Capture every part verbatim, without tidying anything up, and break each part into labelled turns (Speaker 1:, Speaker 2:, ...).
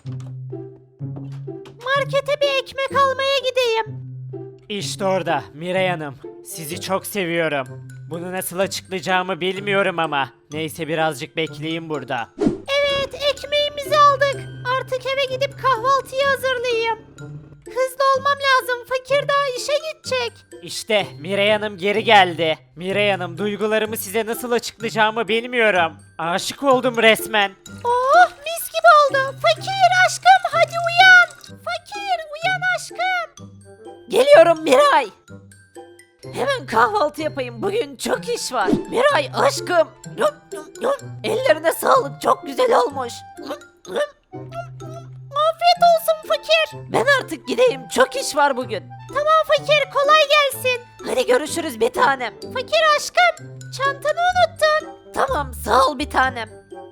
Speaker 1: Markete bir ekmek almaya gideyim.
Speaker 2: İşte orada Miray Hanım. Sizi çok seviyorum. Bunu nasıl açıklayacağımı bilmiyorum ama. Neyse birazcık bekleyin burada.
Speaker 1: Evet, ekmeğimizi aldık. Artık eve gidip kahvaltıyı hazırlayayım. Hızlı olmam lazım. Fakir daha işe gidecek.
Speaker 2: İşte Miray Hanım geri geldi. Miray Hanım, duygularımı size nasıl açıklayacağımı bilmiyorum. Aşık oldum resmen.
Speaker 1: Oh, mis gibi oldu. Fakir aşkım, hadi uyan. Fakir uyan aşkım.
Speaker 3: Geliyorum Miray. Hemen kahvaltı yapayım. Bugün çok iş var. Miray aşkım. Yum, yum, yum. Ellerine sağlık. Çok güzel olmuş. Yum, yum.
Speaker 1: Afiyet olsun fakir.
Speaker 3: Ben artık gideyim. Çok iş var bugün.
Speaker 1: Tamam fakir, kolay gelsin.
Speaker 3: Hadi görüşürüz bir tanem.
Speaker 1: Fakir aşkım, çantanı unuttun.
Speaker 3: Tamam sağ ol bir tanem.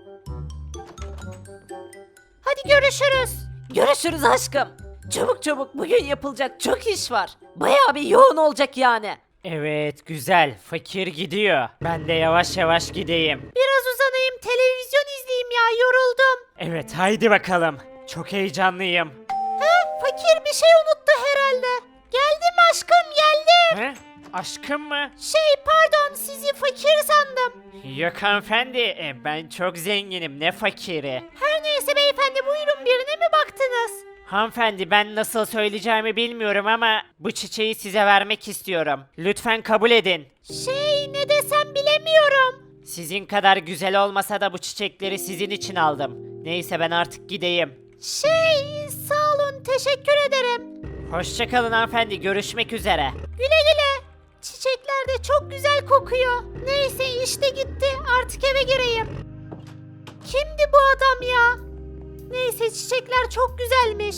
Speaker 1: Hadi görüşürüz.
Speaker 3: Görüşürüz aşkım. Çabuk çabuk bugün yapılacak çok iş var. Bayağı bir yoğun olacak yani.
Speaker 2: Evet, güzel. Fakir gidiyor. Ben de yavaş yavaş gideyim.
Speaker 1: Biraz uzanayım, televizyon izleyeyim ya, yoruldum.
Speaker 2: Evet, haydi bakalım. Çok heyecanlıyım.
Speaker 1: He, fakir bir şey unuttu herhalde. Geldim aşkım, geldim.
Speaker 2: He? Aşkım mı?
Speaker 1: Şey pardon, sizi fakir sandım.
Speaker 2: Yok hanımefendi, e, ben çok zenginim, ne fakiri.
Speaker 1: Her neyse beyefendi, buyurun, birine mi baktınız?
Speaker 2: Hanımefendi, ben nasıl söyleyeceğimi bilmiyorum ama bu çiçeği size vermek istiyorum. Lütfen kabul edin.
Speaker 1: Şey ne desem bilemiyorum.
Speaker 2: Sizin kadar güzel olmasa da bu çiçekleri sizin için aldım. Neyse ben artık gideyim.
Speaker 1: Şey sağ olun, teşekkür ederim.
Speaker 2: Hoşçakalın hanımefendi, görüşmek üzere.
Speaker 1: Güle güle. Çiçekler de çok güzel kokuyor. Neyse işte gitti, artık eve gireyim. Kimdi bu adam ya? Neyse çiçekler çok güzelmiş.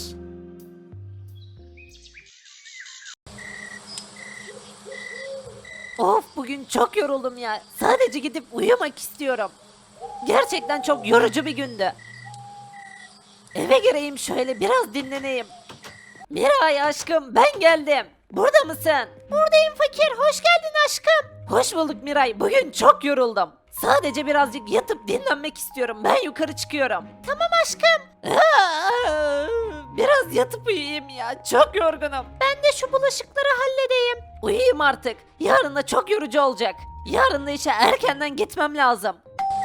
Speaker 3: Of bugün çok yoruldum ya. Sadece gidip uyumak istiyorum. Gerçekten çok yorucu bir gündü. Eve gireyim şöyle biraz dinleneyim. Miray aşkım ben geldim. Burada mısın?
Speaker 1: Buradayım fakir, hoş geldin aşkım.
Speaker 3: Hoş bulduk Miray. Bugün çok yoruldum. Sadece birazcık yatıp dinlenmek istiyorum. Ben yukarı çıkıyorum.
Speaker 1: Tamam aşkım.
Speaker 3: Aa, biraz yatıp uyuyayım ya. Çok yorgunum.
Speaker 1: Ben de şu bulaşıkları halledeyim.
Speaker 3: Uyuyayım artık. Yarın da çok yorucu olacak. Yarın da işe erkenden gitmem lazım.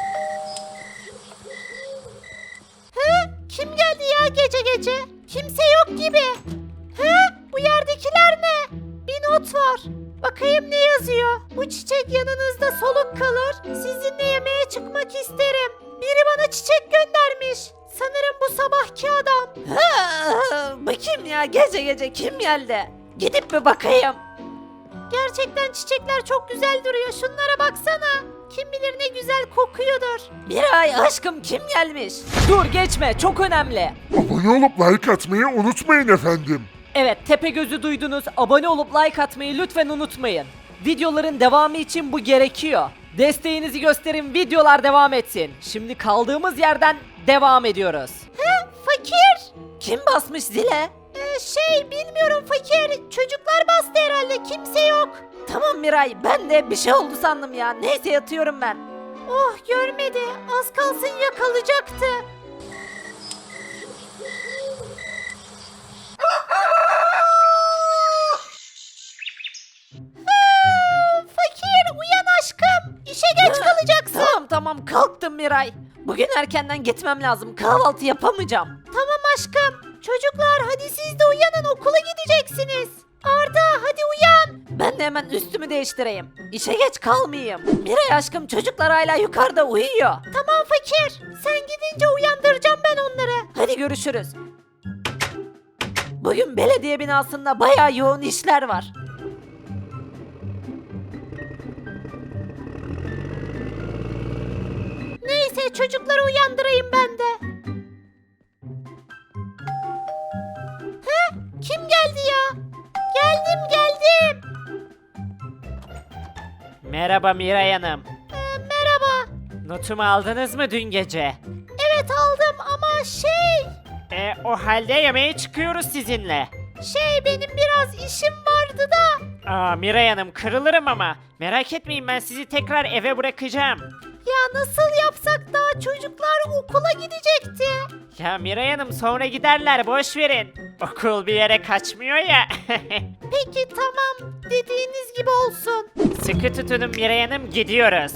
Speaker 1: He? Kim geldi ya gece gece? Kimse yok gibi. He? Bu yerdekiler ne? Bir not var. Bakayım ne yazıyor? Bu çiçek yanınızda soluk kalır. Sizinle yemeğe çıkmak isterim. Biri bana çiçek göndermiş. Sanırım bu sabahki adam.
Speaker 3: Ha, bakayım ya gece gece kim geldi? Gidip bir bakayım.
Speaker 1: Gerçekten çiçekler çok güzel duruyor. Şunlara baksana. Kim bilir ne güzel kokuyordur.
Speaker 3: Miray aşkım kim gelmiş? Dur geçme çok önemli.
Speaker 4: Abone olup like atmayı unutmayın efendim.
Speaker 3: Evet Tepegöz'ü duydunuz. Abone olup like atmayı lütfen unutmayın. Videoların devamı için bu gerekiyor. Desteğinizi gösterin, videolar devam etsin. Şimdi kaldığımız yerden devam ediyoruz.
Speaker 1: He? Fakir?
Speaker 3: Kim basmış zile?
Speaker 1: Ee, şey bilmiyorum fakir. Çocuklar bastı herhalde. Kimse yok.
Speaker 3: Tamam Miray ben de bir şey oldu sandım ya. Neyse yatıyorum ben.
Speaker 1: Oh görmedi. Az kalsın yakalayacaktı. Ha, fakir uyan aşkım. İşe geç kalacaksın.
Speaker 3: Tamam tamam kalktım Miray. Bugün erkenden gitmem lazım. Kahvaltı yapamayacağım.
Speaker 1: Tamam aşkım. Çocuklar hadi siz de uyanın, okula gideceksiniz. Arda hadi uyan.
Speaker 3: Ben de hemen üstümü değiştireyim. İşe geç kalmayayım. Miray aşkım çocuklar hala yukarıda uyuyor.
Speaker 1: Tamam fakir. Sen gidince uyandıracağım ben onları.
Speaker 3: Hadi görüşürüz. Bugün belediye binasında bayağı yoğun işler var.
Speaker 1: Neyse çocukları uyandırayım ben de. He? Kim geldi ya? Geldim geldim.
Speaker 2: Merhaba Miray Hanım.
Speaker 1: Ee, merhaba.
Speaker 2: Notumu aldınız mı dün gece?
Speaker 1: Evet aldım ama şey...
Speaker 2: E, o halde yemeğe çıkıyoruz sizinle.
Speaker 1: Şey benim biraz işim vardı da.
Speaker 2: Aa Miray Hanım, kırılırım ama. Merak etmeyin, ben sizi tekrar eve bırakacağım.
Speaker 1: Ya ya nasıl yapsak daha çocuklar okula gidecekti.
Speaker 2: Ya Miray Hanım sonra giderler boş verin. Okul bir yere kaçmıyor ya.
Speaker 1: Peki tamam dediğiniz gibi olsun.
Speaker 2: Sıkı tutunun Miray Hanım gidiyoruz.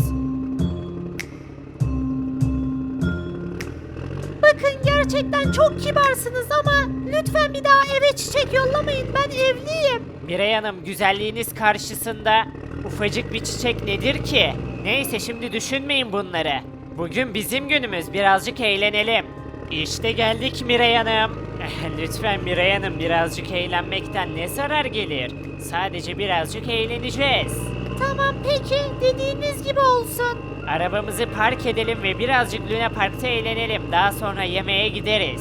Speaker 1: Bakın gerçekten çok kibarsınız ama lütfen bir daha eve çiçek yollamayın ben evliyim.
Speaker 2: Miray Hanım güzelliğiniz karşısında ufacık bir çiçek nedir ki? Neyse şimdi düşünmeyin bunları. Bugün bizim günümüz birazcık eğlenelim. İşte geldik Miray Hanım. Lütfen Miray Hanım birazcık eğlenmekten ne zarar gelir? Sadece birazcık eğleneceğiz.
Speaker 1: Tamam peki dediğiniz gibi olsun.
Speaker 2: Arabamızı park edelim ve birazcık Luna Park'ta eğlenelim. Daha sonra yemeğe gideriz.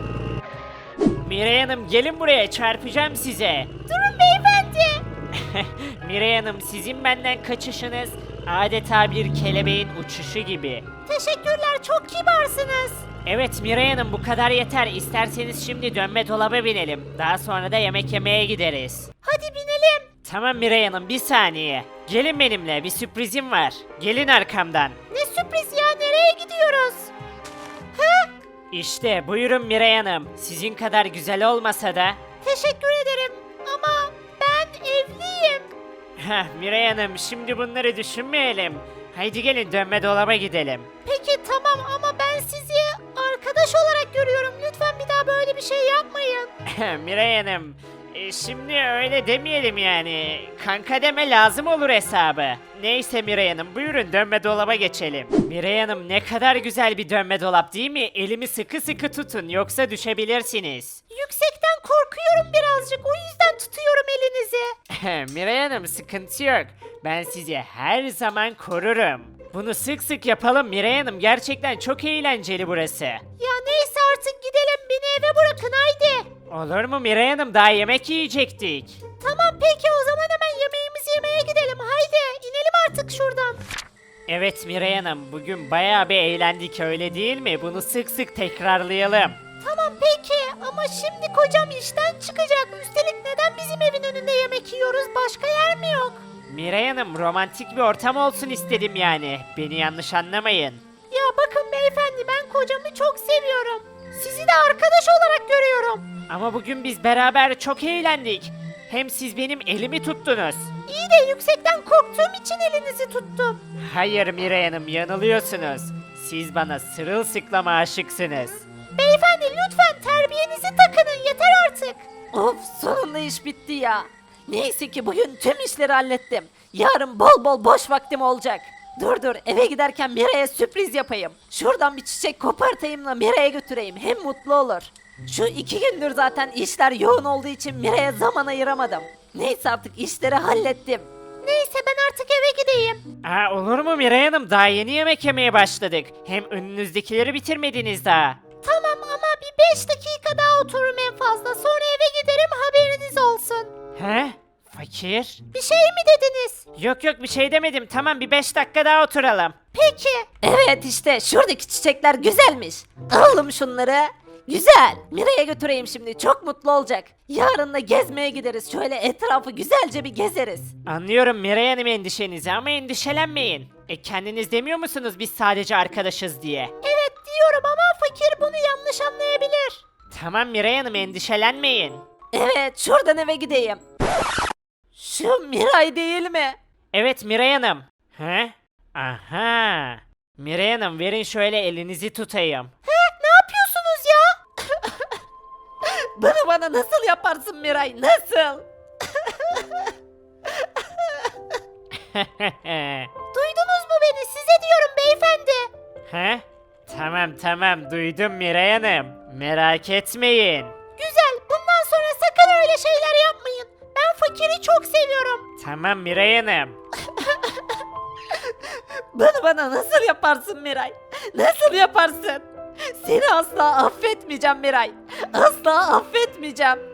Speaker 2: Miray Hanım gelin buraya çarpacağım size.
Speaker 1: Durun beyefendi.
Speaker 2: Miray Hanım sizin benden kaçışınız adeta bir kelebeğin uçuşu gibi.
Speaker 1: Teşekkürler çok kibarsınız.
Speaker 2: Evet Miray Hanım bu kadar yeter. İsterseniz şimdi dönme dolaba binelim. Daha sonra da yemek yemeye gideriz.
Speaker 1: Hadi binelim.
Speaker 2: Tamam Miray Hanım bir saniye. Gelin benimle bir sürprizim var. Gelin arkamdan.
Speaker 1: Ne sürpriz ya nereye gidiyoruz? Ha?
Speaker 2: İşte buyurun Miray Hanım. Sizin kadar güzel olmasa da.
Speaker 1: Teşekkür ederim ama ben evliyim.
Speaker 2: Heh Miray Hanım şimdi bunları düşünmeyelim. Haydi gelin dönme dolaba gidelim.
Speaker 1: Peki tamam ama ben sizi arkadaş olarak görüyorum. Lütfen bir daha böyle bir şey yapmayın.
Speaker 2: Miray Hanım, e, şimdi öyle demeyelim yani. Kanka deme lazım olur hesabı. Neyse Miray Hanım, buyurun dönme dolaba geçelim. Miray Hanım ne kadar güzel bir dönme dolap değil mi? Elimi sıkı sıkı tutun yoksa düşebilirsiniz.
Speaker 1: Yüksekten korkuyorum birazcık. O yüzden tutuyorum elinizi.
Speaker 2: Miray Hanım sıkıntı yok. Ben sizi her zaman korurum. Bunu sık sık yapalım Miray Hanım. Gerçekten çok eğlenceli burası.
Speaker 1: Ya neyse artık gidelim. Beni eve bırakın haydi.
Speaker 2: Olur mu Miray Hanım? Daha yemek yiyecektik.
Speaker 1: Tamam peki o zaman hemen yemeğimizi yemeye gidelim. Haydi inelim artık şuradan.
Speaker 2: Evet Miray Hanım, bugün bayağı bir eğlendik öyle değil mi? Bunu sık sık tekrarlayalım.
Speaker 1: Tamam peki ama şimdi kocam işten çıkacak. Üstelik neden bizim evin önünde yemek yiyoruz? Başka yer mi yok?
Speaker 2: Miray Hanım, romantik bir ortam olsun istedim yani. Beni yanlış anlamayın.
Speaker 1: Ya bakın beyefendi ben kocamı çok seviyorum. Sizi de arkadaş olarak görüyorum.
Speaker 2: Ama bugün biz beraber çok eğlendik. Hem siz benim elimi tuttunuz.
Speaker 1: İyi de yüksekten korktuğum için elinizi tuttum.
Speaker 2: Hayır Miray Hanım, yanılıyorsunuz. Siz bana sırılsıklama aşıksınız.
Speaker 1: Beyefendi lütfen terbiyenizi takının yeter artık.
Speaker 3: Of sonunda iş bitti ya. Neyse ki bugün tüm işleri hallettim. Yarın bol bol boş vaktim olacak. Dur dur eve giderken Miray'a sürpriz yapayım. Şuradan bir çiçek kopartayım da Miray'a götüreyim. Hem mutlu olur. Şu iki gündür zaten işler yoğun olduğu için Miray'a zaman ayıramadım. Neyse artık işleri hallettim.
Speaker 1: Neyse ben artık eve gideyim.
Speaker 2: Aa, olur mu Miray Hanım? Daha yeni yemek yemeye başladık. Hem önünüzdekileri bitirmediniz daha.
Speaker 1: Tamam ama bir beş dakika daha otururum en fazla. Sonra eve giderim haberiniz olsun.
Speaker 2: He? Fakir?
Speaker 1: Bir şey mi dediniz?
Speaker 2: Yok yok bir şey demedim. Tamam bir beş dakika daha oturalım.
Speaker 1: Peki.
Speaker 3: Evet işte şuradaki çiçekler güzelmiş. Alalım şunları. Güzel. Miray'a götüreyim şimdi. Çok mutlu olacak. Yarın da gezmeye gideriz. Şöyle etrafı güzelce bir gezeriz.
Speaker 2: Anlıyorum Miray Hanım endişenizi ama endişelenmeyin. E kendiniz demiyor musunuz biz sadece arkadaşız diye?
Speaker 1: Evet diyorum ama fakir bunu yanlış anlayabilir.
Speaker 2: Tamam Miray Hanım endişelenmeyin.
Speaker 3: Evet şuradan eve gideyim. Şu Miray değil mi?
Speaker 2: Evet Miray Hanım. He? Aha. Miray Hanım verin şöyle elinizi tutayım.
Speaker 1: He ne yapıyorsunuz ya?
Speaker 3: Bunu bana nasıl yaparsın Miray? Nasıl?
Speaker 1: Duydunuz mu beni? Size diyorum beyefendi.
Speaker 2: He? Tamam tamam duydum Miray Hanım. Merak etmeyin.
Speaker 1: Güzel. Bundan sonra sakın öyle şeyler yapmayın. Ben fakiri çok seviyorum.
Speaker 2: Tamam Miray Hanım.
Speaker 3: Bunu bana nasıl yaparsın Miray? Nasıl yaparsın? Seni asla affetmeyeceğim Miray. Asla affetmeyeceğim.